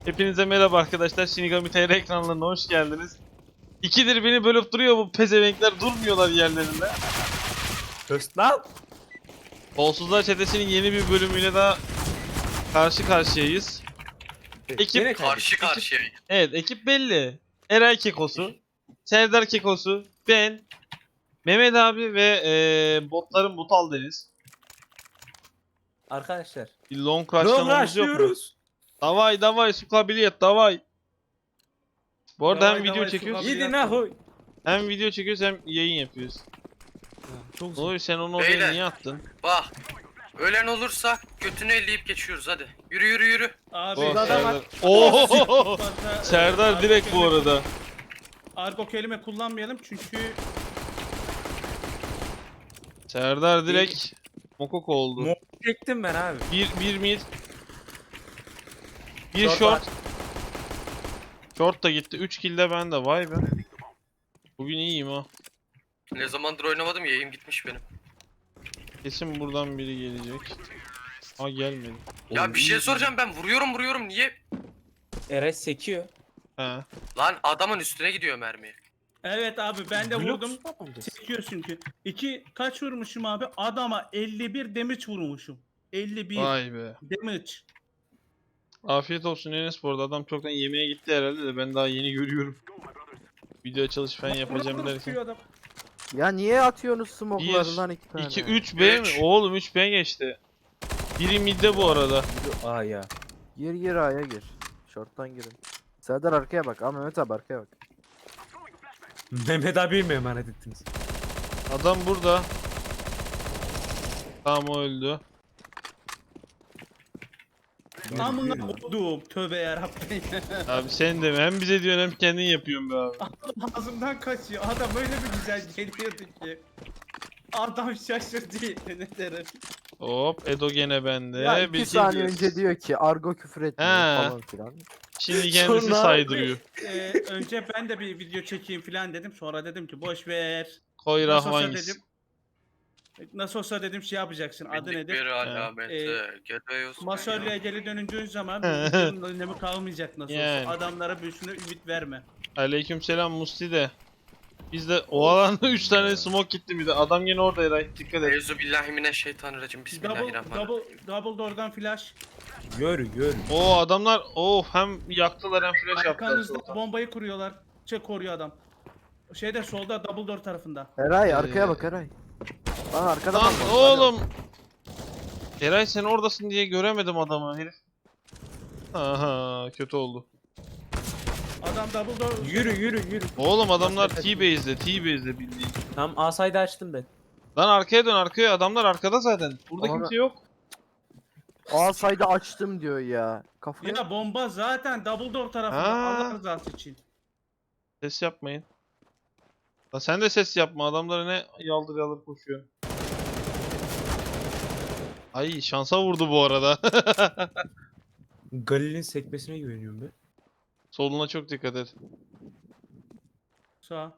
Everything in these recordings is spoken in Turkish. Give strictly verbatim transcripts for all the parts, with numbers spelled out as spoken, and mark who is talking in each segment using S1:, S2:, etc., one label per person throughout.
S1: Hepinize merhaba arkadaşlar. Shinigami T R ekranlarına hoş geldiniz. İkidir beni bölüp duruyor bu pezevenkler, durmuyorlar yerlerinde.
S2: Höst lan.
S1: Kolsuzlar Çetesi'nin yeni bir bölümüyle daha karşı karşıyayız. Ekip
S2: Yine
S3: Karşı
S1: ekip-
S3: karşıya.
S1: Evet, ekip belli. Eray Kekosu, Serdar Kekosu, ben, Mehmet abi ve eee botların Butal Deniz.
S2: Arkadaşlar.
S1: Bir long
S2: Long
S1: rush'lamamız yok mu?
S2: rushlıyoruz.
S1: Davay davay su kabiliyet davay. Bu arada
S4: Davay,
S1: hem video
S4: davay, su
S1: çekiyoruz
S4: kabiliyet.
S2: Yedi nahoy.
S1: hem video çekiyoruz hem yayın yapıyoruz.
S2: Çok
S1: Ne
S2: zor.
S1: oluyor, sen onu oraya
S3: Beyler.
S1: niye attın?
S3: Bak. Ölen olursa götünü elleyip geçiyoruz hadi. Yürü yürü yürü.
S4: Abi
S1: Oh,
S2: adam
S1: Serdar.
S2: var.
S1: Oo!
S4: fazla,
S1: Serdar
S4: argo
S1: direkt bu
S4: kelime-
S1: arada.
S4: Argo kelime kullanmayalım çünkü
S1: Serdar direkt mokok oldu.
S2: Mo- Çektim ben abi.
S1: Bir bir mid. Bir
S2: Short
S1: short.
S2: var.
S1: Short da gitti. üç kill de bende. Vay be. Bugün iyiyim ha.
S3: Ne zamandır oynamadım yayım gitmiş benim.
S1: Kesin buradan biri gelecek. Ha gelmedi.
S3: Ya
S1: Oğlum,
S3: bir şey
S1: iyi.
S3: soracağım, ben vuruyorum vuruyorum niye?
S2: Eres sekiyor.
S1: He.
S3: Lan adamın üstüne gidiyor mermi.
S4: evet abi ben de
S2: Blok
S4: vurdum.
S2: tutamamışız.
S4: Sekiyor çünkü. İki kaç vurmuşum abi? Adama elli bir damage vurmuşum. elli bir
S1: Vay be.
S4: damage.
S1: Afiyet olsun Enes, bu arada adam çoktan yemeğe gitti herhalde de ben daha yeni görüyorum. Video açılış falan yapacağım
S4: Vurur,
S1: derken.
S4: tutuyor adam.
S5: Ya niye atıyorsunuz
S1: bir,
S5: smoke'larından iki tane?
S1: iki, üç B mi?
S3: Üç.
S1: Oğlum üç B geçti. Biri midde bu arada.
S2: Aa ya.
S5: Gir gir A'ya gir. Short'tan girin. Serdar arkaya bak. Aa Mehmet abi arkaya bak.
S2: Mehmet abiye mi emanet ettiniz?
S1: Adam burada. Tamam, o öldü.
S4: Amına koduğum. Tövbe yarabbim.
S1: Abi sen de mi? Hem bize diyorsun hem kendin yapıyorsun be abi.
S4: Ağzımdan kaçıyor. Adam öyle bir güzel geliyordu ki. Adam şaşırdı ne derim.
S1: Hop, Edo gene bende.
S5: ya iki
S1: Bir kill
S5: saniye
S1: diyoruz.
S5: önce diyor ki argo küfür etmiyor
S1: He.
S5: falan filan.
S1: Şimdi kendisi
S2: Sonra-
S1: saydırıyor.
S4: Ee, önce ben de bir video çekeyim falan dedim. Sonra dedim ki boş ver.
S1: Koy
S4: Nasıl olsa
S1: Rahman
S4: dedim. Nasıl olsa dedim şey yapacaksın. Adı
S3: Bindik
S4: nedir?
S3: bir alameti.
S4: Ee,
S3: Geliyorsun.
S4: Masörlüğe geri dönündüğün zaman bu videonun önemi kalmayacak nasıl
S1: Yani.
S4: olsa. Adamlara büyüsüne ümit verme.
S1: Aleykümselam Musti de. Biz de o alanda üç tane smoke gitti bir de. Adam gene orada Eray. Dikkat et.
S3: Eyzu billahi mineşşeytanirracim.
S4: Double,
S3: Bismillahirrahmanirrahim.
S4: double, double door'dan flash.
S2: Gör gör.
S1: Oo, adamlar oh hem yaktılar hem flash yaptılar.
S4: Arkanızda bombayı kuruyorlar. Çek koruyor adam. Şeyde solda double door tarafında.
S5: Eray arkaya
S1: Ee,
S5: bak Eray. Lan arkada
S1: Lan
S5: bak.
S1: oğlum. Eray sen oradasın diye göremedim adamı herif. Aha, kötü oldu.
S4: Adam double door.
S2: Yürü yürü yürü.
S1: Oğlum adamlar T-base'de, T-base'de bildiğin.
S2: Tam A side'ı açtım ben.
S1: Lan arkaya dön, arkaya, adamlar arkada zaten. Burada
S5: Ama-
S1: kimse yok.
S5: Aa sayda açtım diyor ya. Kafaya.
S4: Ya bomba zaten double door tarafında.
S1: Ha.
S4: Allah rızası için.
S1: Ses yapmayın. Lan sen de ses yapma, adamlara ne yaldır yaldır koşuyor. Ay şansa vurdu bu arada.
S2: Galil'in sekmesine güveniyorum ben.
S1: Soluna çok dikkat et.
S4: Sağ.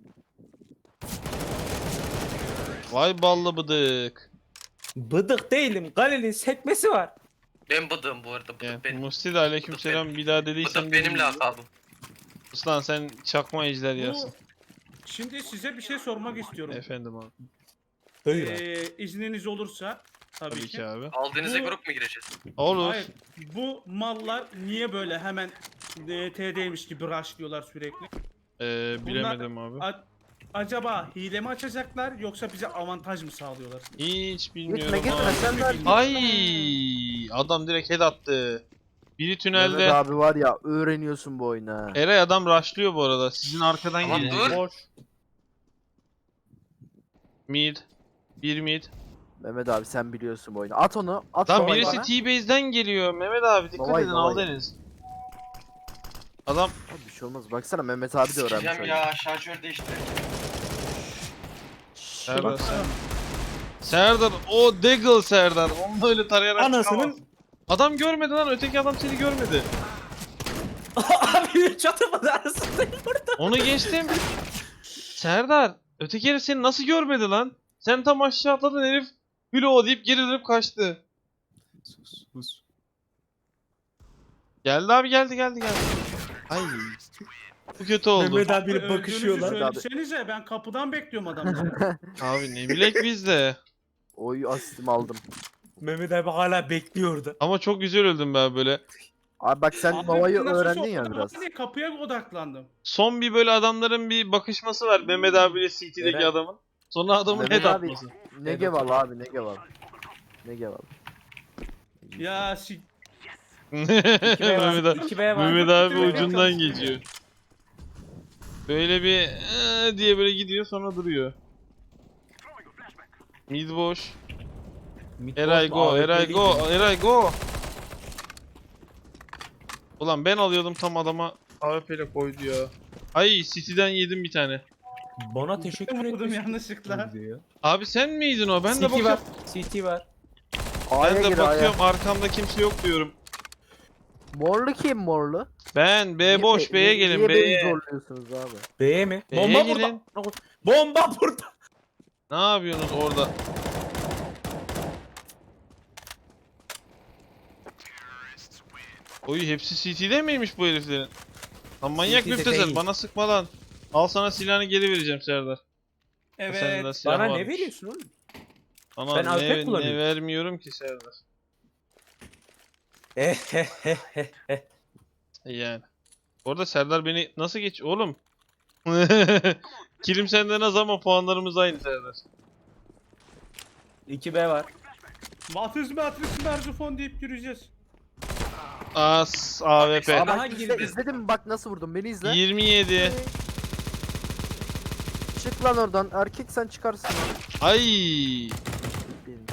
S1: Vay ballı bıdık.
S2: Bıdık değilim. Galil'in sekmesi var.
S3: Ben bıdığım bu arada.
S1: Yani
S3: Bıdık benim.
S1: Musti de aleykümselam bir daha dediysen.
S3: Bıdık benim
S1: bilmiyorum.
S3: lakabım.
S1: Aslan sen çakma ejder yersin.
S4: Bu, şimdi size bir şey sormak istiyorum.
S1: Efendim abi.
S2: Buyur abi.
S4: Ee, izniniz olursa tabii,
S1: Tabii
S4: ki.
S1: ki abi.
S3: Aldığınızda
S4: Bu-
S3: grup mu gireceğiz?
S1: Olur.
S4: Hayır. Bu mallar niye böyle hemen e, T D'ymiş gibi rushlıyorlar sürekli?
S1: Ee, bilemedim abi.
S4: A- acaba hile mi açacaklar yoksa bize avantaj mı sağlıyorlar?
S1: Hiç
S5: Gitme
S1: bilmiyorum
S5: gitme
S1: abi.
S5: sen ver.
S1: Ay adam direkt head attı. Biri
S5: Mehmet
S1: tünelde.
S5: abi var ya öğreniyorsun bu oyunu ha.
S1: Eray adam rushlıyor bu arada. Sizin arkadan
S3: Tamam,
S1: geliyor.
S3: dur.
S1: Boş. Mid. Bir mid.
S5: Mehmet abi sen biliyorsun bu oyunu. At onu. At
S1: Tam
S5: onu
S1: birisi
S5: bana.
S1: T-base'den geliyor. Mehmet abi dikkat
S5: Davay,
S1: edin,
S5: davay.
S1: al Deniz. Adam
S5: Abi bir şey olmaz. Baksana Mehmet abi de öğrenmiş
S3: Sikeceğim
S5: oyunu.
S3: ya, şarjör değiştir.
S1: Serdar sen. Serdar o Deagle Serdar. Onu öyle tarayarak
S2: Anasının-
S1: çıkamaz. Adam görmedi lan, öteki adam seni görmedi.
S2: Abi çatırmadı arasındayım burada.
S1: Onu geçtim. Serdar öteki herif seni nasıl görmedi lan? Sen tam aşağı atladın, herif Hülo deyip geri dönüp kaçtı.
S2: Sus sus.
S1: Geldi abi geldi geldi geldi. Ay. Bu kötü oldu.
S2: Mehmet abiyle
S4: Öldüğünüzü
S2: bakışıyorlar.
S4: söylesenize ben kapıdan bekliyorum adamları.
S1: Abi ne bilek biz de.
S5: Oy asistimi aldım.
S2: Mehmet abi hala bekliyor orada.
S1: Ama çok güzel öldüm ben böyle.
S5: Abi bak sen
S4: Abi
S5: Nova'yı
S4: nasıl
S5: öğrendin ya
S4: soktum
S5: biraz.
S4: var ya, kapıya odaklandım.
S1: Son bir böyle adamların bir bakışması var Mehmet abiyle C T'deki
S2: Eren.
S1: adamın. Sonra adamın
S5: Mehmet
S1: head
S5: abi-
S1: atması.
S5: Ne geval abi ne geval. Ne geval.
S4: Ya şi...
S2: İki B
S1: Mehmet
S2: var.
S1: abi,
S2: İki B var.
S1: Mehmet abi
S4: Mehmet abi
S1: ucundan
S4: çalışıyor.
S1: geçiyor. Böyle bir eee diye böyle gidiyor sonra duruyor. Mid boş.
S2: Mid
S1: Eray
S2: boş mu?
S1: go,
S2: A W P
S1: Eray
S2: değil
S1: go,
S2: mi?
S1: Eray go. Ulan ben alıyordum tam adama A W P ile koydu ya. Ay City'den yedim bir tane.
S2: Bana teşekkür
S4: Vurdum
S2: etmiş.
S4: yanlışlıkla.
S1: Abi sen miydin o? Ben de
S2: C T var.
S1: bakıyorum.
S2: C T var.
S5: A'ya
S1: Ben de
S5: gir A'ya.
S1: bakıyorum arkamda kimse yok diyorum.
S5: Morlu kim morlu?
S1: Ben B
S5: Niye
S1: boş
S5: be-
S1: B'ye
S5: niye-
S1: gelin
S5: Niye beni
S1: B'ye.
S5: zorluyorsunuz abi?
S2: B'ye mi?
S1: B'ye
S2: Bomba
S1: gelin.
S2: burada. Bomba burada.
S1: Ne yapıyorsunuz orada? Oy hepsi C T'de miymiş bu heriflerin? Lan manyak
S2: C T'de
S1: müptezel
S2: değil.
S1: bana sıkma lan. Al sana silahını geri vereceğim Serdar.
S4: Evet.
S1: Sende silah
S2: Bana ne
S1: varmış.
S2: veriyorsun oğlum?
S1: Sana
S2: Ben A W P
S1: ne, ne
S2: kullanıyorum.
S1: vermiyorum ki Serdar.
S2: Ehehehehe.
S1: Yani. Orada Serdar beni nasıl geç oğlum? Kilim senden az ama puanlarımız aynı Serdar.
S2: İki B var.
S4: Matris matris merzufon deyip yürüyeceğiz.
S1: As A W P.
S2: Abi-
S5: Aa,
S2: Aha,
S5: bak izle,
S2: girdi.
S5: izledin mi bak nasıl vurdum beni izle.
S1: yirmi yedi.
S5: Çık lan oradan erkek sen çıkarsın.
S1: Ay.
S5: Benim.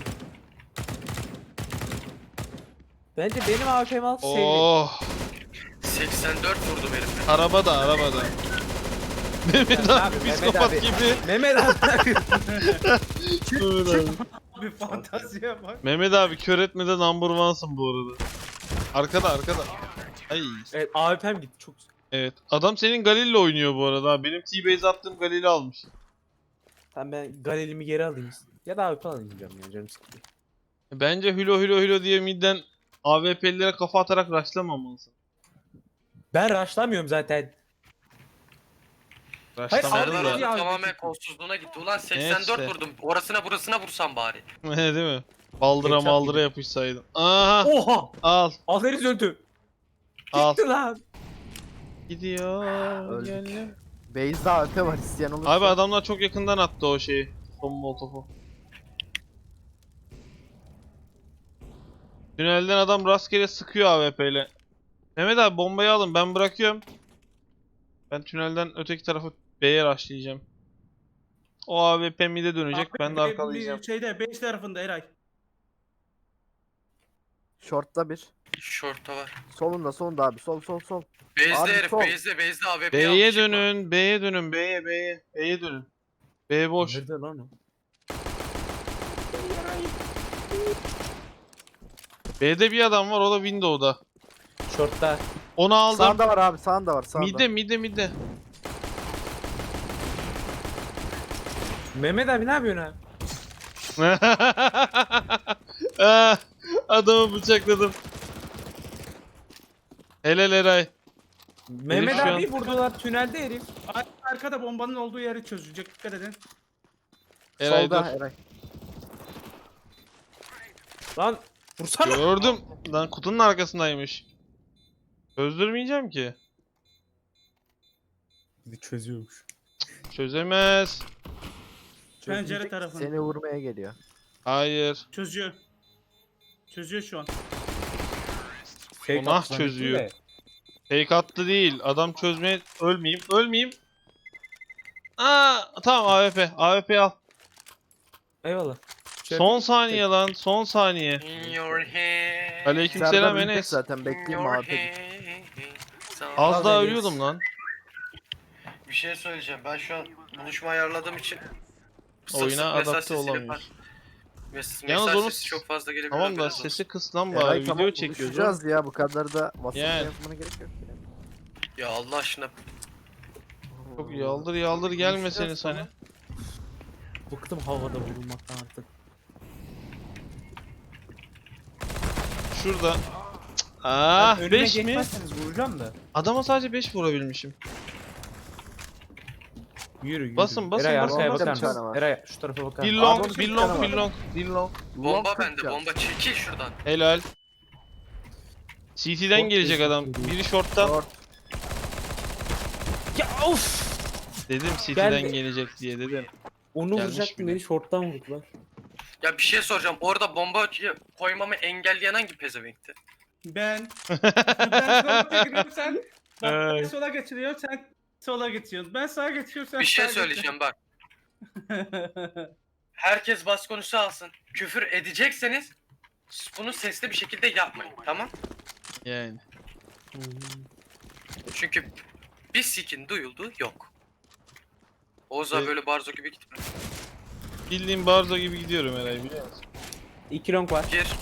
S2: Bence benim A W P'mi al sevdi.
S1: Oh.
S3: seksen dört vurdum herife.
S1: Arabada arabada. Mehmet
S2: Abi,
S1: abi
S2: Mehmet
S1: psikopat
S2: abi.
S1: gibi.
S2: Mehmet abi.
S1: Mehmet abi.
S4: Bir fantaziye bak.
S1: Mehmet abi kör etmede number one'sın bu arada. Arkada arkada. Ay.
S2: Evet A W P'm gitti çok güzel.
S1: Evet. Adam senin Galil'le oynuyor bu arada. Benim T-base attığım Galil'i almış.
S2: Tamam ben Galil'imi geri alayım. Ya da A W P alayım ya canım sıkılıyor.
S1: Bence hülo hülo hülo diye midden A W P'lilere kafa atarak rushlamamalısın.
S2: Ben rushlamıyorum zaten.
S1: Rushlamalı
S2: Serdar
S1: da.
S2: abi ya.
S3: Tamamen kolsuzluğuna gitti. Ulan seksen dört
S1: işte.
S3: vurdum. Orasına burasına vursam bari.
S1: Değil mi? Baldıra
S2: Ketçap
S1: maldıra
S2: gibi.
S1: yapışsaydın. Aha.
S2: Oha!
S1: Al.
S2: Azeriz öldü.
S1: Al.
S2: Gitti lan.
S1: Gidiyor.
S5: Öldük.
S1: gönlüm.
S5: Base'de A W P var isteyen olursa.
S1: Abi adamlar çok yakından attı o şeyi. Son molotofu. Tünelden adam rastgele sıkıyor A W P ile. Mehmet abi bombayı alın ben bırakıyorum. Ben tünelden öteki tarafı B'ye rushlayacağım. O A W P mid'e dönecek
S4: Abi,
S1: ben de
S4: bir-
S1: arkalayacağım.
S4: bir Şeyde base tarafında Eray.
S5: Short'ta bir.
S3: Short'ta var.
S5: Solunda solunda abi sol sol sol.
S3: Base'de
S5: Abi
S3: herif.
S5: sol.
S3: Base'de base'de A W P
S1: B'ye
S3: almış.
S1: dönün, B'ye dönün, B'ye, B'ye, B'ye dönün. B boş.
S2: Nerede lan o?
S1: B'de bir adam var o da Window'da.
S2: Short'ta.
S1: Onu aldım.
S5: Sağında var abi sağında var sağında.
S1: Mid'de, mid'de, mid'de.
S2: Mehmet abi ne yapıyorsun abi?
S1: Ah, adamı bıçakladım. Helal Eray.
S2: Mehmet
S1: şu an-
S2: abi vurdular tünelde herif.
S4: Ar- Arkada bombanın olduğu yeri çözecek. Dikkat edin.
S1: Eray
S5: Solda
S1: dur.
S5: Eray.
S2: Lan vursana.
S1: Gördüm. Lan kutunun arkasındaymış. Çözdürmeyeceğim ki.
S2: Bir çözüyormuş.
S1: Çözemez.
S4: Pencere
S5: Çözmeyecek,
S4: tarafını.
S5: Seni vurmaya geliyor.
S1: Hayır.
S4: Çözüyor. Çözüyor şu an.
S2: Fake
S1: O nah
S2: attı zannettim
S1: çözüyor.
S2: de.
S1: Fake attı değil. Adam çözmeye... Ölmeyeyim. Ölmeyeyim. Aa, tamam A W P. A W P al.
S2: Eyvallah. Şey
S1: Son saniye lan. Son saniye.
S3: In your head.
S1: Aleykümselam
S5: Serdar ölecek
S1: Enes.
S5: zaten
S3: In
S5: bekleyeyim
S3: your
S5: abi.
S3: head.
S1: Az
S2: Al
S1: daha
S2: Enes.
S1: ölüyordum lan.
S3: Bir şey söyleyeceğim. Ben şu an buluşma ayarladığım için sık
S1: Oyuna
S3: sık mesaj
S1: adapte
S3: sesiyle
S1: olamıyoruz.
S3: par- Mes
S1: Yalnız
S3: mesaj
S1: onu
S3: sesi çok fazla gelebilir.
S1: Tamam da
S3: haberiniz olsun.
S1: sesi kıs lan bari.
S5: Eray
S1: Video
S5: tamam
S1: çekiyoruz. oğlum.
S5: buluşacağız ya bu kadar da WhatsApp'ta
S1: Yani.
S5: yazmana gerek yok. Yani.
S3: Ya Allah aşkına.
S1: Çok yaldır yaldır gelmeseniz hani.
S2: Bıktım havada vurulmaktan artık.
S1: Şurada. Ah
S2: önüme
S1: beş mi?
S2: geçmezseniz vuracağım da.
S1: Adama sadece beş vurabilmişim.
S2: Yürü yürü.
S1: Basın, basın,
S2: Eray
S1: basın,
S2: arkaya
S5: basın.
S2: bakar
S5: Bir tane
S2: mısın?
S5: var.
S2: Eray şu tarafa bakar
S1: Bir
S2: mısın?
S1: long,
S2: Abi,
S1: bir
S5: bir
S1: long,
S5: tane
S1: bir
S5: var.
S1: long, bir long.
S3: Bomba
S5: Long
S3: bende.
S5: kırk
S3: Bomba çekil şuradan.
S1: Helal. C T'den
S2: Short
S1: gelecek
S2: bir
S1: adam.
S2: short.
S1: Biri short'tan.
S5: Short.
S2: Ya of!
S1: Dedim C T'den
S2: Geldi.
S1: gelecek diye dedim.
S2: Onu
S1: Gelmiş
S2: vuracaktım
S1: bile.
S2: beni short'tan vurdular.
S3: Ya bir şey soracağım. Orada bomba koymamı engelleyen hangi pezevenkti?
S4: Ben. Ben sola geçiriyorum sen. Bak ben
S1: Ay.
S4: sola geçiriyorum sen sola geçiyorsun. Ben sağa geçiyorum sen
S3: Bir şey
S4: sağa
S3: söyleyeceğim bak.
S4: geçiyorsun.
S3: Herkes bas konusu alsın. Küfür edecekseniz bunu sesli bir şekilde yapmayın. Tamam?
S1: Yani.
S3: Çünkü bir sikin duyulduğu yok. Oğuz abi
S1: Evet.
S3: böyle barzo gibi gitme.
S1: Bildiğim Barzo gibi gidiyorum Eray biliyor musun?
S2: İki long var.
S3: Gir.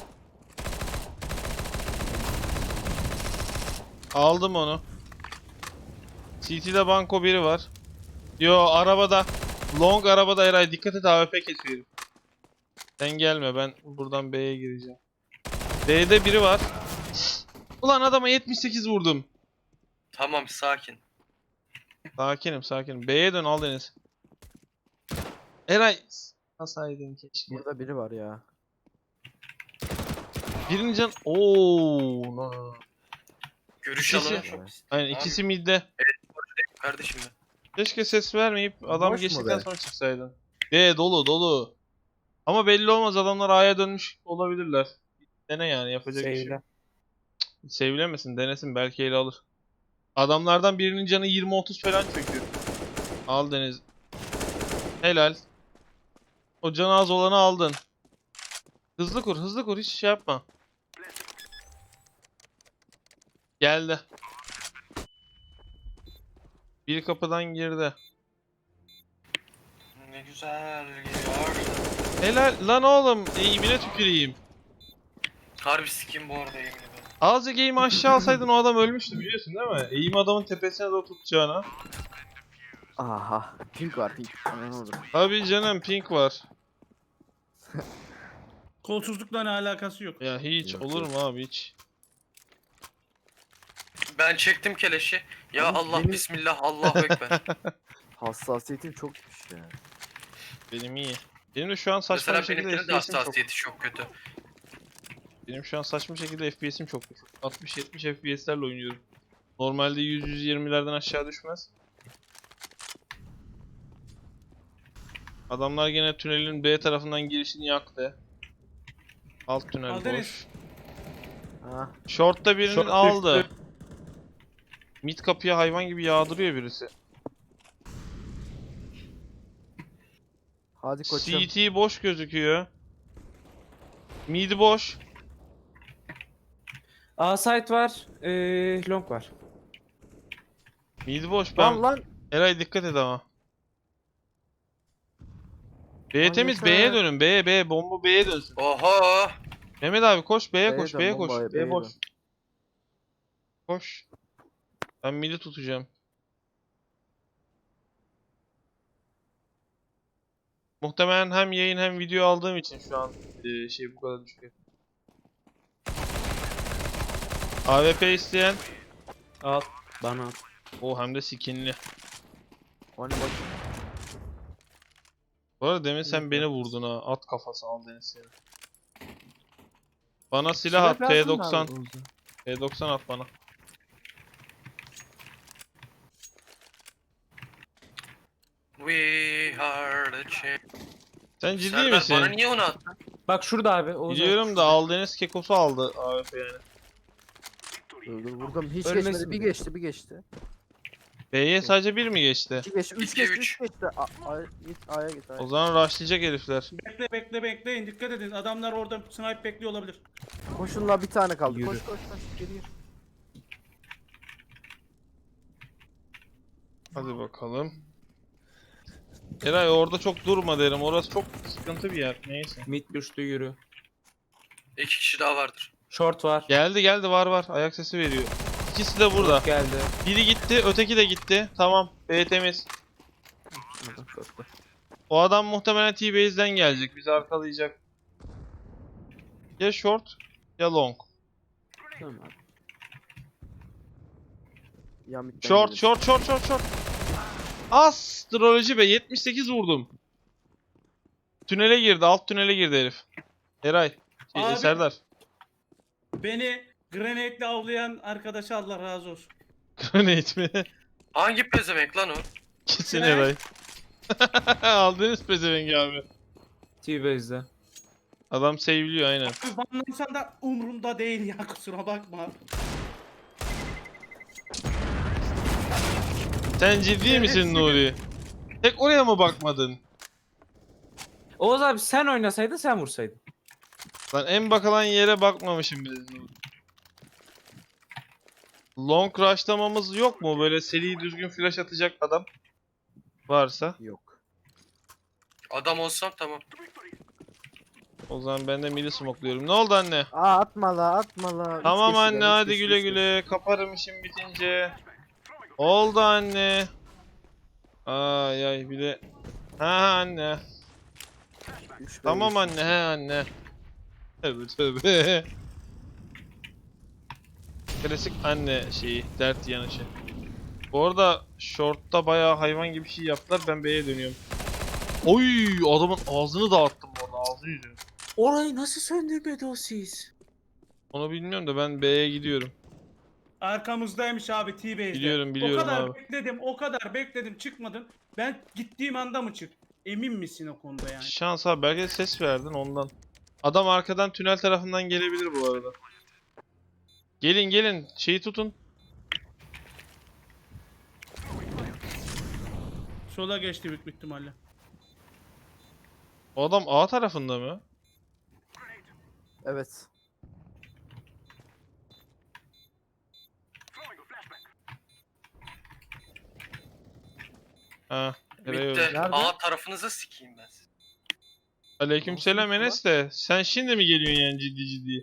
S1: Aldım onu. C T'de banko biri var. Yo arabada. Long arabada Eray dikkat et A W P kesiyor. Sen gelme ben buradan B'ye gireceğim. B'de biri var. Ulan adama yetmiş sekiz vurdum.
S3: Tamam sakin.
S1: Sakinim sakinim. B'ye dön al Deniz. Eray. Nasaydın keşke.
S5: Burada biri var ya.
S1: Birinci can. Ooo. No, no, no.
S3: Görüş
S1: İkisi-
S3: alanı çok
S1: Aynen ikisi midde.
S3: kardeşim ben.
S1: Keşke ses vermeyip adam
S5: Boş mu
S1: geçtikten
S5: be?
S1: sonra çıksaydın. B dolu dolu. Ama belli olmaz adamlar A'ya dönmüş olabilirler. Dene yani yapacak bir şey
S2: Sevle.
S1: yok. Sevilemesin denesin belki ele alır. Adamlardan birinin canı yirmi otuz falan çöküyor. Al Deniz. Helal. O canı az olanı aldın. Hızlı kur hızlı kur hiç şey yapma. Geldi. Bir kapıdan girdi.
S3: Ne güzel geliyor.
S1: Helal lan oğlum eğimine tüküreyim.
S3: Harbi sikim bu arada yemin ederim.
S1: Azıcık eğimi aşağı alsaydın o adam ölmüştü biliyorsun değil mi? Eğim adamın tepesine doğru tutacağına.
S5: Aha. Pink var pink. Aman olur.
S1: Tabii canım pink var.
S4: Kolsuzlukla ne alakası yok.
S1: Ya hiç
S5: Yok,
S1: olur
S5: yok.
S1: mu abi hiç.
S3: Ben çektim keleşi. Ya
S5: Ama
S3: Allah
S5: benim-
S3: bismillah Allahu ekber.
S5: Hassasiyetim çok düşmüş ya.
S1: Benim iyi. Benim de şu an saçma
S3: Mesela
S1: bir şekilde
S3: benimkinin de
S1: F P S'im çok.
S3: hassasiyeti çok kötü.
S1: Benim şu an saçma şekilde F P S'im çok düşük. altmış yetmiş F P S'lerle oynuyorum. Normalde yüz yüz yirmilerden aşağı düşmez. Adamlar gene tünelin B tarafından girişini yaktı. Alt tünel
S4: Al
S1: boş.
S4: Deniz.
S5: Ha.
S1: Short'ta birini
S2: Short
S1: aldı.
S2: düştü.
S1: Mid kapıya hayvan gibi yağdırıyor birisi.
S5: Hadi koçum.
S1: C T boş gözüküyor. Mid boş.
S2: A site var. Ee, long var.
S1: Mid boş. Ben
S5: Lan lan.
S1: Eray dikkat et ama. B
S5: Lan
S1: temiz
S5: yeter.
S1: B'ye dönün. B B bomba B'ye dönsün.
S3: Oho!
S1: Mehmet abi koş B'ye
S5: B'ye
S1: koş
S5: dön,
S1: B'ye koş.
S5: bombaya,
S1: B
S5: B'ye
S1: boş.
S5: dön.
S1: Koş. Ben mid'i tutacağım. Muhtemelen hem yayın hem video aldığım için şu an eee, şey bu kadar düşük. A W P isteyen.
S2: Al. Bana al.
S1: O hem de skinli.
S5: Hani bak.
S1: Bu arada demin sen beni vurdun ha. At kafası al Deniz seni. Bana silah at P doksan. P doksan at bana.
S3: We are the champ.
S1: Sen ciddi
S3: Serdar,
S1: misin?
S3: bana niye onu attın?
S2: Bak şurada abi. Oğuz abi.
S1: Biliyorum da Aldeniz Kekos'u aldı A W P yani.
S5: Dur dur vurdum. Hiç
S2: Ölmesin
S5: geçmedi. Bir
S2: mi?
S5: geçti bir geçti.
S1: B'ye sadece bir mi geçti?
S5: İki geçti. Üç
S3: İki,
S5: geçti.
S3: üç.
S5: Üç geçti. A, A, git A'ya git A'ya.
S1: O zaman rushlayacak herifler.
S4: Bekle bekle bekleyin dikkat edin. Adamlar orada snipe bekliyor olabilir.
S5: Koşun la bir tane kaldı.
S2: Yürü.
S5: Koş koş koş. Geri gir.
S1: Hadi bakalım. Eray orada çok durma derim. Orası çok sıkıntı bir yer. Neyse.
S2: Mid düştü yürü.
S3: İki kişi daha vardır.
S2: Short var.
S1: Geldi geldi var var. Ayak sesi veriyor. İkisi de burada.
S2: Geldi.
S1: Biri gitti, öteki de gitti. Tamam. B temiz.
S2: Adam short'ta.
S1: O adam muhtemelen T-Base'den gelecek. Bizi arkalayacak. Ya short ya long.
S2: Tamam abi.
S5: Yan midden
S1: Short,
S5: gelir.
S1: short, short, short, short. Astroloji be, yetmiş sekiz vurdum. Tünele girdi, alt tünele girdi herif. Eray, şey,
S4: Abi.
S1: Serdar.
S4: Beni grenade'le avlayan arkadaşa Allah razı olsun.
S1: Grenade mi?
S3: Hangi pezevenk lan o?
S1: Kesin
S4: Ne?
S1: Eray. Aldınız pezevengi abi.
S2: T-Base'de.
S1: Adam save'liyor aynen.
S4: Abi banlansan da umurumda değil ya, kusura bakma.
S1: Sen ciddi misin Nuri? Tek oraya mı bakmadın?
S2: Oğuz abi sen oynasaydın sen vursaydın.
S1: Lan en bakılan yere bakmamışım bile Nuri. Long rush'lamamız yok mu? Böyle seri düzgün flash atacak adam varsa.
S5: Yok.
S3: Adam olsam tamam.
S1: O zaman ben de midi smokluyorum. Ne oldu anne?
S5: Aa atma la atma la. Üç
S1: Tamam
S5: kişiler,
S1: anne
S5: üç
S1: hadi
S5: kişi,
S1: güle
S5: üç kişi.
S1: güle. Kaparım işim bitince. Oldu anne. Ay ay bir de. Ha anne.
S5: Üç ve
S1: Tamam
S5: üç.
S1: anne he anne. Tövbe tövbe. Klasik anne şeyi, dert yanışı. Bu arada short'ta bayağı hayvan gibi şey yaptılar. Ben B'ye dönüyorum. Oy adamın ağzını dağıttım orada, ağzını yüzünü.
S2: Orayı nasıl söndürmedi o siz?
S1: Onu bilmiyorum da ben B'ye gidiyorum.
S4: Arkamızdaymış abi T-Base'de.
S1: Biliyorum, biliyorum
S4: O kadar
S1: abi.
S4: bekledim, o kadar bekledim, çıkmadın. Ben gittiğim anda mı çık? Emin misin o konuda yani?
S1: Şans abi, belki de ses verdin ondan. Adam arkadan tünel tarafından gelebilir bu arada. Gelin gelin şeyi tutun.
S4: Sola geçti büyük ihtimalle.
S1: O adam A tarafında mı?
S5: Evet.
S1: Ha. Eray
S3: Bitti.
S1: öldü.
S5: Nerede?
S3: A tarafınıza sikeyim ben sizi.
S1: Aleykümselam
S5: Nasıl
S1: Enes de. Sen şimdi mi geliyorsun yani ciddi ciddi?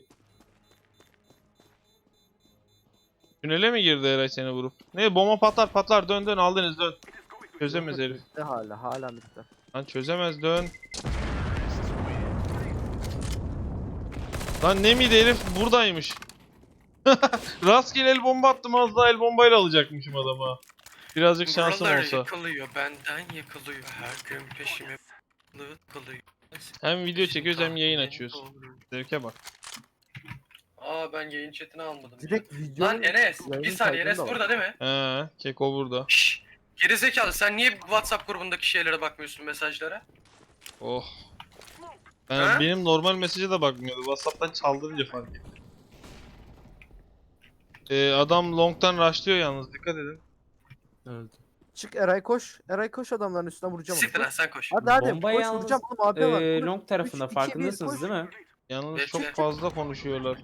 S1: Tünele mi girdi Eray seni vurup? Ne bomba patlar patlar dön dön aldınız dön. Çözemez herif.
S5: Bitti hala hala bitti.
S1: Lan çözemez dön. Lan ne miydi herif buradaymış. Rastgele el bomba attım, az daha el bombayla alacakmışım adama. Birazcık şansım
S3: Buralar
S1: olsa.
S3: yıkılıyor, benden yıkılıyor. Her gün peşime yıkılıyor.
S1: Hem video çekiyoruz hem yayın açıyoruz. Zevke bak.
S3: Aa ben yayın chatini almadım. ya.
S5: Direkt video.
S3: Lan Enes, bir
S5: yayın
S3: saniye
S5: kaydında
S3: Enes
S5: var.
S3: burada değil mi?
S1: He, Keko burada.
S3: Şşş. Gerizekalı sen niye WhatsApp grubundaki şeylere bakmıyorsun mesajlara?
S1: Oh. Ben,
S3: Ha?
S1: benim normal mesaja da bakmıyordu. WhatsApp'tan çaldırınca fark ettim. Ee, adam long'tan rushlıyor yalnız, dikkat edin.
S2: Öldü.
S5: Çık Eray koş. Eray koş adamların üstüne vuracağım
S3: Siktir
S5: onu.
S3: lan sen koş.
S5: Hadi hadi
S2: Bomba
S5: koş
S2: yalnız,
S5: vuracağım oğlum abi var.
S2: Ee,
S5: Koş.
S2: long tarafında
S5: üç, iki,
S2: farkındasınız
S5: bir, koş.
S2: değil mi?
S1: Yalnız
S3: Bekle.
S1: çok fazla konuşuyorlar.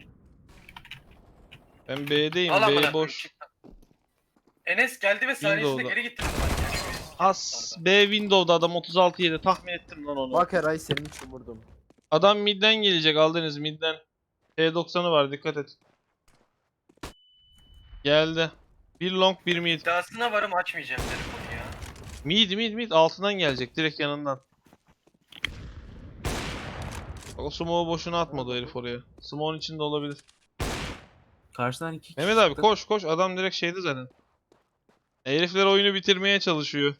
S1: Ben B'deyim,
S3: Al amına
S1: B
S3: koyayım,
S1: boş.
S3: çık lan. Enes geldi ve saniyesinde
S1: Windows'da.
S3: geri gitti.
S1: As B Window'da adam otuz altı yedi, tahmin ettim lan onu.
S5: Bak Eray senin için vurdum.
S1: Adam midden gelecek, aldınız midden. T doksanı var, dikkat et. Geldi. Bir long bir mid.
S3: İddiasına varım açmayacağım telefonu ya.
S1: Mid mid mid altından gelecek, direkt yanından. Bak, o smoke'u boşuna atmadı o herif oraya. Smoke'un içinde olabilir.
S2: Karşıdan iki kişi
S1: Mehmet abi
S2: çıktı.
S1: koş koş, adam direkt şeydi zaten. Herifler oyunu bitirmeye çalışıyor.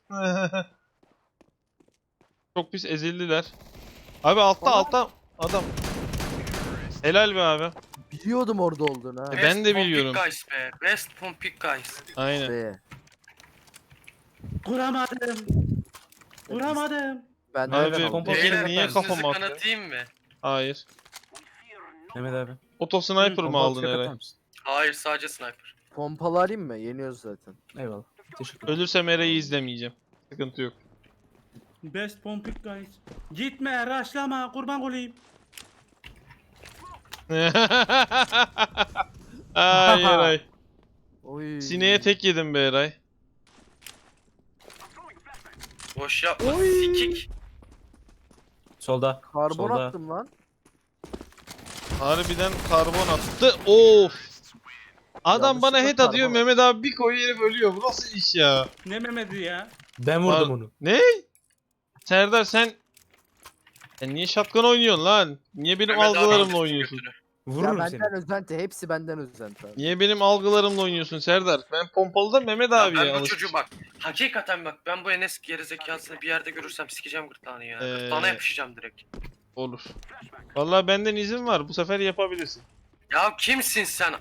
S1: Çok pis ezildiler. Abi altta
S5: Baba.
S1: altta adam. Helal be abi.
S5: Biliyordum orada olduğunu ha.
S1: E, ben de
S3: Best
S1: biliyorum.
S3: Pompik guys be. Best Pompik guys.
S1: Aynen.
S5: Be.
S4: Kuramadım. Kuramadım.
S5: Ben de
S1: Abi,
S5: öyle
S2: kompo-
S5: aldım.
S1: peki
S3: Beyler
S1: niye
S3: ben
S1: kafama
S3: sizi
S1: attı?
S3: kanatayım mı?
S1: Hayır.
S2: Mehmet abi.
S1: Auto sniper mı
S2: Bomba
S1: aldın
S2: atacak
S1: Eray?
S2: atar mısın?
S3: Hayır sadece sniper.
S5: Pompalı alayım mı? Yeniyoruz zaten.
S2: Eyvallah. Teşekkür ederim.
S1: Ölürsem Eray'ı izlemeyeceğim. Sıkıntı yok.
S4: Best pompik guys. Gitme, raşlama, kurban olayım.
S1: Ay Eray.
S5: Oy.
S1: Sineğe tek yedim be Eray.
S3: Boş yapma
S5: Oy.
S3: sikik.
S2: Solda.
S5: Karbon
S2: solda.
S5: attım lan.
S1: Harbiden karbon attı. Of. Adam bana
S5: Yanlışlıkla
S1: head atıyor,
S5: karbon
S1: Mehmet abi bir koyuyor herif ölüyor. Bu nasıl iş ya?
S4: Ne Mehmet'i ya?
S2: Ben vurdum
S1: Var-
S2: onu.
S1: Ne? Serdar sen... Sen niye şapkan oynuyorsun lan? Niye benim
S3: Mehmet abi
S1: algılarımla
S3: aldı
S1: oynuyorsun?
S3: götünü.
S2: Vururum
S5: Ya
S2: seni.
S5: benden özenti. Hepsi benden özenti abi.
S1: Niye benim algılarımla oynuyorsun Serdar? Ben pompalıda Mehmet
S3: Ya
S1: abiye
S3: ben bu
S1: alışmışım.
S3: çocuğu bak. Hakikaten bak ben bu Enes gerizekasını bir yerde görürsem sikeceğim gırtlağını ya.
S1: Ee,
S3: Gırtlağına yapışacağım direkt.
S1: Olur. Vallahi benden izin var. Bu sefer yapabilirsin.
S3: Ya kimsin sen?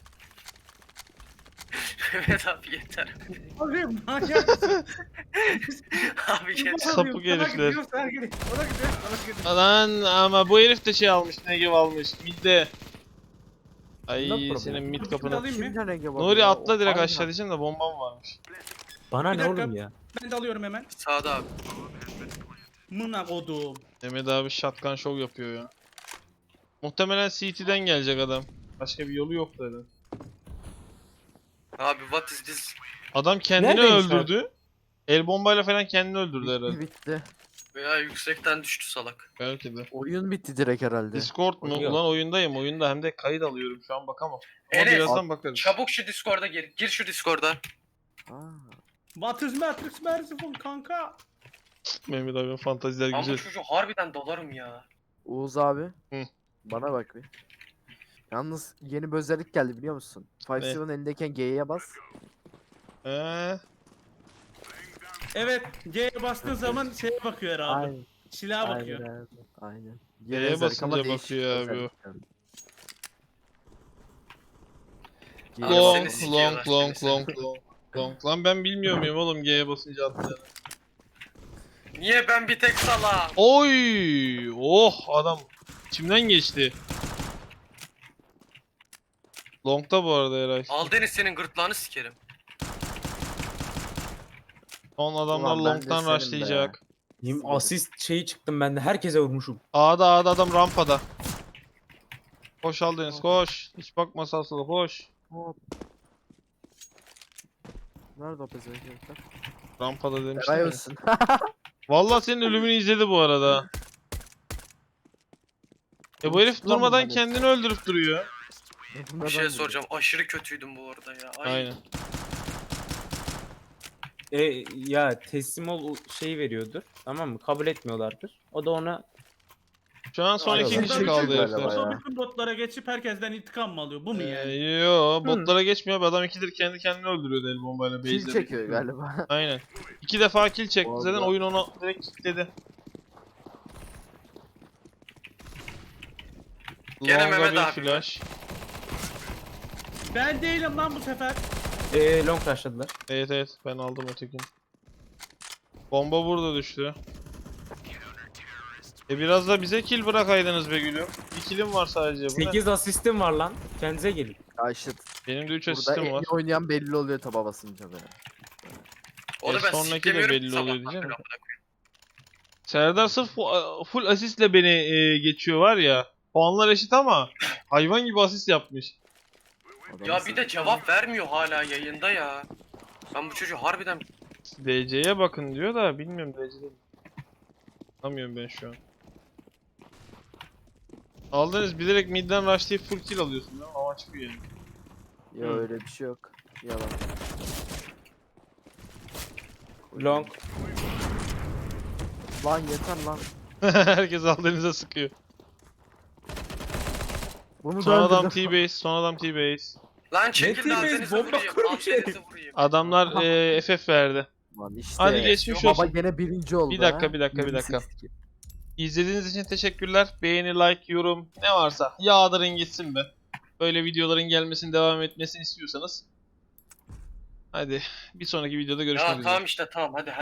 S3: Evet abi yeter.
S4: Abi manyak mısın?
S3: Abi yeter.
S1: Sapık
S4: Sana
S1: herifler.
S4: gidiyor, sana gidiyor. Ona gidiyor, ona gidiyor.
S1: Lan ama bu herif de şey almış. Negev almış. Midde. Ay
S2: Bundan problem.
S1: senin mid
S4: Bir
S1: kapına.
S4: alayım mı?
S5: Kimden Ege var
S1: Nuri
S5: ya?
S1: atla direkt
S5: Aynen.
S1: aşağı diyeceğim de bombam varmış.
S2: Bana
S4: Bir
S2: ne
S4: dakika.
S2: oğlum ya?
S4: Ben de alıyorum hemen.
S3: Sağda abi.
S4: Mına kodum.
S1: Mehmet abi shotgun show yapıyor ya. Muhtemelen C T'den gelecek adam. Başka bir yolu yok dedi.
S3: Abi what is this?
S1: Adam kendini
S2: Neredeymiş abi?
S1: öldürdü. El bombayla falan kendini öldürdü
S5: Bitti,
S1: herhalde.
S5: bitti.
S3: Veya yüksekten düştü salak.
S1: Belki de.
S5: Oyun bitti direkt herhalde.
S1: Discord mu?
S2: Oynuyor.
S1: Ulan oyundayım. Oyunda hem de kayıt alıyorum. Şu an bakamam. Ama
S3: Enes,
S1: birazdan bakarız.
S3: Çabuk şu Discord'a gir. Gir şu Discord'a.
S5: Aa,
S4: What is Matrix Merciful kanka?
S1: Mehmet abi fantaziler
S3: Ben bu
S1: güzel.
S3: çocuğu harbiden dolarım ya.
S5: Oğuz abi.
S1: Hı.
S5: Bana bak bir. Yalnız yeni bir özellik geldi biliyor musun?
S1: Ne?
S5: Five Seven elindeyken G'ye bas.
S1: Eee.
S4: Evet, G'ye bastığın zaman şeye bakıyor abi.
S5: Aynen.
S4: Silaha
S5: Aynen
S4: bakıyor.
S5: abi. Aynen.
S1: G'ye
S5: Yeni özellik ama
S1: basınca
S5: değişik
S1: bakıyor abi
S5: özellik yani. G'ye
S3: Abi
S1: Long,
S3: seni
S5: bas.
S3: sikiyorlar,
S1: long,
S3: seni
S1: long, long, long, long. Lan ben bilmiyor muyum oğlum G'ye basınca atlayacağını?
S3: Niye ben bir tek salağım?
S1: Oy! Oh adam içimden geçti. Long'da bu arada Eray.
S3: Al Deniz senin gırtlağını sikerim.
S1: Son adamlar
S5: Ulan ben de
S1: long'dan
S5: senin be.
S1: rushlayacak.
S2: Yim asist şeyi çıktım ben de herkese vurmuşum.
S1: A'da A'da adam rampada. Koş al Deniz koş. Hiç bakma sağa sola koş.
S5: Hop. Nerede o pezevenkler?
S1: Rampada demiştim
S5: Eray
S1: ya.
S5: olsun.
S1: Vallahi senin ölümünü izledi bu arada. Ya bu herif
S5: Çıktı lan
S1: durmadan
S5: bundan
S1: kendini öldürüp duruyor.
S3: Bir şey soracağım. Aşırı kötüydüm bu arada ya. Ay.
S1: Aynen.
S2: E, ya teslim ol şeyi veriyordur. Tamam mı? Kabul etmiyorlardır. O da ona
S1: Şu an son
S3: Ay,
S1: iki
S5: Aynen.
S1: kişi
S5: Şey
S1: kaldı
S5: galiba
S1: herifler.
S5: ya.
S4: Sonra bütün botlara geçip herkesten intikam mı alıyor? Bu mu
S1: Ee,
S4: yani?
S1: yo botlara geçmiyor abi. Adam ikidir kendi kendine öldürüyordu el bombayla.
S5: Kill
S1: base'de.
S5: çekiyor galiba.
S1: Aynen. İki defa kill çekti zaten
S5: Vallahi.
S1: oyun onu direkt kilitledi.
S3: Gene
S1: Long'a
S3: Mehmet
S1: bir
S3: abi.
S1: flash.
S4: Ben değilim lan bu sefer.
S2: e, long rushladılar.
S1: Evet evet ben aldım ötekini. Bomba burada düştü. E biraz da bize kill bırakaydınız be gülüm. Bir killim var sadece. Bu ne?
S2: sekiz asistim var lan. Kendinize gelin.
S5: Ya işte
S1: Benim de üç
S5: burada en
S1: asistim
S5: iyi
S1: var.
S5: oynayan belli oluyor taba basınca be.
S3: Onu
S1: E,
S3: ben
S1: sonraki de
S3: siklemiyorum
S1: belli oluyor
S3: sabahtan
S1: diyeceğim.
S3: beri amına koyayım.
S1: Serdar sırf fu- full asistle beni e, geçiyor var ya. Puanlar eşit ama hayvan gibi asist yapmış.
S5: Adam
S3: Ya
S5: nasıl-
S3: bir de cevap vermiyor hala yayında ya. Ben bu çocuğu harbiden
S1: D C'ye bakın diyor da bilmiyorum D C'de. Anlamıyorum ben şu an. Aldınız bilerek midden rushlayıp full kill alıyorsun değil mi? Ama çıkıyor yani.
S5: Ya
S1: Hı.
S5: öyle bir şey yok. Yalan.
S2: Long.
S5: Lan yeter lan.
S1: Herkes aldığınıza sıkıyor.
S5: Bunu
S1: Son
S5: da
S1: adam
S5: öldürdüm.
S1: T-base, son adam T-base.
S3: lan çekil de
S2: Netimiz
S3: Aldeniz'e
S2: bomba
S3: vurayım.
S2: kurmuş
S3: Aldeniz'e vurayım.
S1: Adamlar e, F F verdi.
S5: Lan işte.
S1: Hadi geçmiş
S3: Yok,
S5: Baba
S1: olsun.
S5: gene birinci oldu.
S1: Bir dakika,
S5: ha.
S1: bir dakika, bir
S5: yirmi
S1: dakika.
S5: sekiz kill.
S1: İzlediğiniz için teşekkürler. Beğeni, like, yorum ne varsa yağdırın gitsin be. Böyle videoların gelmesini devam etmesini istiyorsanız. Hadi bir sonraki videoda görüşmek
S3: Ya
S1: üzere.
S3: tamam işte tamam hadi.